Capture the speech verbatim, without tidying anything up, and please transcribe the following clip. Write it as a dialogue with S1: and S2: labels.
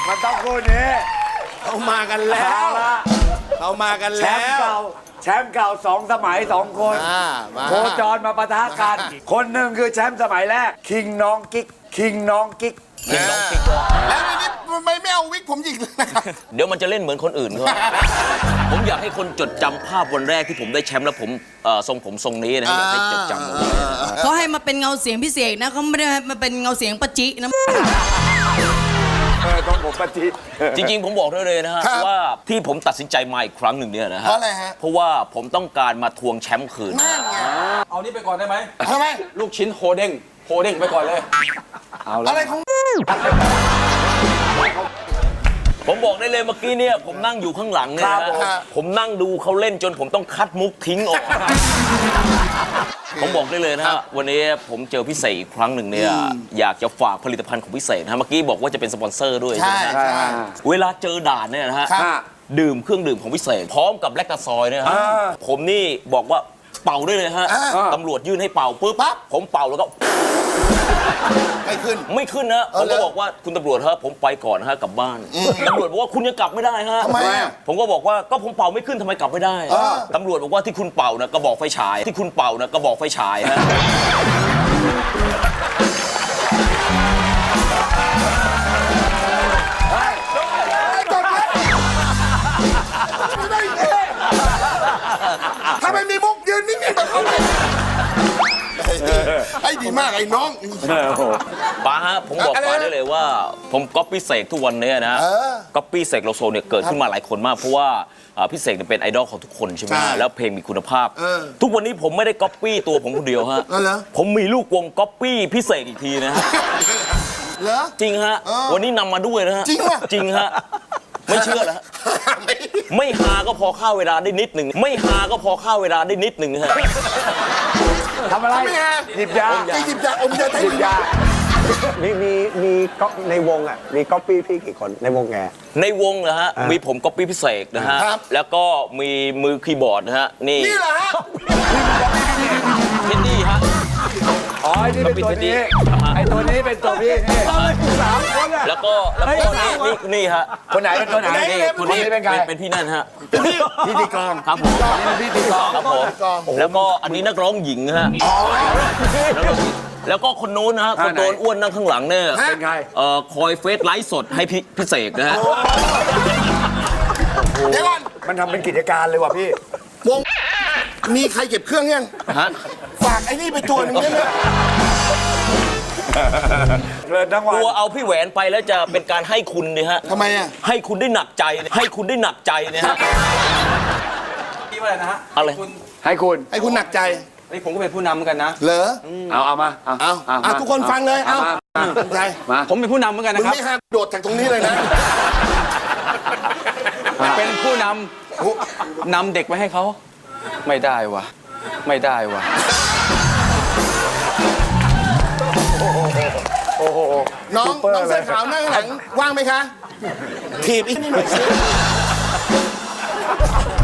S1: มันต้องคู่นี้
S2: เขามากันแล้วเขามากัน
S1: แช
S2: แล้
S1: มป์
S2: ว
S1: เก่าแชมป์เก่าสองสมัยสองคน
S2: อ่ามา
S1: โคจรมาปะทะกัน คนหนึ่งคือแชมป์สมัยแรกคิงน้องกิ๊กคิงน้องกิ๊ก
S2: แล้วทีนี้ไม่ไม่เอาวิกผมหยิกเลยนะครับ
S3: เดี๋ยวมันจะเล่นเหมือนคนอื่นเขา ผมอยากให้คนจดจำภาพวันแรกที่ผมได้แชมป์แล้วผมเอ่อทรงผมทรงนี้นะอยากให้จดจำเอาไว้
S4: เขาให้มาเป็นเงาเสียงพิเศษนะเขาไม่ได้ให้มาเป็นเงาเสียงปะจินะ
S1: เออต้องผมปฏิ
S3: จริงๆ ผมบอกได้เลยนะฮะว่าที่ผมตัดสินใจมาอีกครั้งหนึ่งเนี่ยนะฮะ
S2: เพราะอะไรฮะ
S3: เพราะว่าผมต้องการมาทวงแชมป์คืน
S2: นั่นไง
S5: เอานี่ไปก่อนได้ไหม
S2: ทำไม
S5: ลูกชิ้นโฮเด้งโฮเด้งไปก่อนเลย
S2: อะไรของ
S3: ผมบอกได้เลยเมื่อกี้เนี่ยผมนั่งอยู่ข้างหลังเนี่ยนะฮะผมนั่งดูเขาเล่นจนผมต้องคัดมุกทิ้งออก ผมบอกได้เลยนะฮะวันนี้ผมเจอพี่เสกอีกครั้งหนึ่งเนี่ยอยากจะฝากผลิตภัณฑ์ของพี่เสกนะฮะเมื่อกี้บอกว่าจะเป็นสปอนเซอร์ด้วย
S2: ใช่
S3: ใช่ไหม
S2: ใช่
S3: เวลาเจอด่านเนี่ยนะฮะ
S2: ครับ
S3: ดื่มเครื่องดื่มของพี่เสกพร้อมกับแลคตาซอยเนี่ยฮะผมนี่บอกว่าเป่าได้เลยฮะตำรวจยื่นให้เป่าปุ๊บ
S2: ปั๊บ
S3: ผมเป่าแล้วก็
S2: ไม่ขึ้น
S3: ไม่ขึ้นนะผม
S2: เหร
S3: ก็
S2: อ
S3: บอกว่าคุณตำรวจฮะผมไปก่อนฮะกลับบ้านตำรวจบอกว่าคุณยังกลับไม่ได้ฮะ
S2: ทำไมอะ
S3: ผมก็บอกว่าก็ผมเป่าไม่ขึ้นทำไมกลับไม่ได้
S2: เออ
S3: ตำรวจบอกว่าที่คุณเป่านะกระบอกไฟฉายที่คุณเป่านะกระบอกไฟฉายฮะ
S2: ทำไมมีมุกยืนนิ่งๆแบบเขาเลยไอ้ดีมากไอ้น้อง
S3: ป้าฮะผมบอก
S2: อะไรนะ
S3: ป้าได้เลยว่า ผมก๊อปปี้เสกทุกวันเนี้นะ
S2: เออ
S3: ก๊อปปี้เสกโลโซเนี่ยเกิดขึ้นมาหลายคนมากเพราะว่าอ่าพี่เสกเนี่ยเป็นไอดอลของทุกคนใช่ไหม
S2: ใช่
S3: แล้วเพลงมีคุณภาพ
S2: เออ
S3: ทุกวันนี้ผมไม่ได้ก๊อปปี้ตัวผมคนเดียวฮะ
S2: เออเหรอ
S3: ผมมีลูกวงก๊อปปี้พี่เสกอีกทีนะฮะ
S2: เหรอ
S3: จริงฮะ
S2: เออ
S3: วันนี้นำมาด้วยนะฮะ
S2: จริงวะ
S3: จริงฮะไม่เชื่อเหรอฮะ
S2: ไม่
S3: ไม่หาก็พอฆ่าเวลาได้นิดหนึ่งไม่หาก็พอฆ่าเวลาได้นิดหนึ่งฮะ
S1: ทำอะไร
S2: ไม่ฮะ
S1: หยิบยา
S2: จะหยิบยาอมยาไทย
S1: หยิบยา
S6: มีมีมีก็ในวงอ่ะมีก๊อปปี้พี่กี่คนในวงแก
S3: ในวงนะฮะมีผมก๊อปปี้พิเศษนะฮะแล้วก็มีมือคีย์บอร์ดนะฮะนี่
S2: นี่เหรอฮะ
S3: เทดดี้ฮะ
S1: อ๋อไอ้นี่เป็นตัวนี้ไอ้ตัวนี้เป็นตัวพี่นี่สามคนอ่ะ
S3: แล้วก็แล้วก็นี่นี่นี่ฮะ
S1: คนไหนเป็นคนไหน
S3: นี่
S1: ค
S3: คน
S1: น
S3: นี้
S1: นี้เป็นใคร
S3: เป็นพี่นั่นฮะ
S1: พิธีกร
S3: ครับผม
S1: เป็นพิธีกร
S3: ครับผมแล้วก็อันนี้นักร้องหญิงฮะแล้วก็คนนู้นนะฮะคนโดนอ้วนนั่งข้างหลังเนี่ย
S1: เป็นไง
S3: เอ่อคอยเฟซไลฟ์สดให้พี่พิเศษนะฮะ
S2: เดี๋ยวก่อน
S1: มันทำเป็นกิจการเลยว่ะพี่
S2: วงมีใครเก็บเครื่องยัง
S3: ฮะ
S2: ฝากไอ้นี่ไปตัวหนึงได้ไหม
S1: เลินทั้งวัน
S3: กลัวเอาพี่แหวนไปแล้วจะเป็นการให้คุณเนี่ยฮะ
S2: ทำไมอ่ะ
S3: ให้คุณได้หนักใจให้คุณได้หนักใจเนี่ยฮะ
S5: พี่ว่าอะไรนะฮะ
S3: อะไร
S5: คุณ
S1: ให้คุณ
S2: ให้คุณหนักใจ
S5: นี่ผมก็เป็นผู้นำเหมือนกันนะ
S2: เหรอ
S1: เอาเอามาเอา
S2: เอา
S1: เอา
S2: เอาทุกคนฟังเลย เอาหนักใจ
S1: มา
S5: ผมเป็นผู้นำเหมือนกัน
S2: มึง
S5: นะครับ
S2: ไม่ห้ามโดดจากตรงนี้เลยนะ
S5: เป็นผู้นำนำเด็กไว้ให้เขาไม่ได้วะไม่ได้วะ
S2: น้องน้องเสื้อขาวนั่งข้างหลังว่างไหมคะถีบอีกนิดหน่อยสิ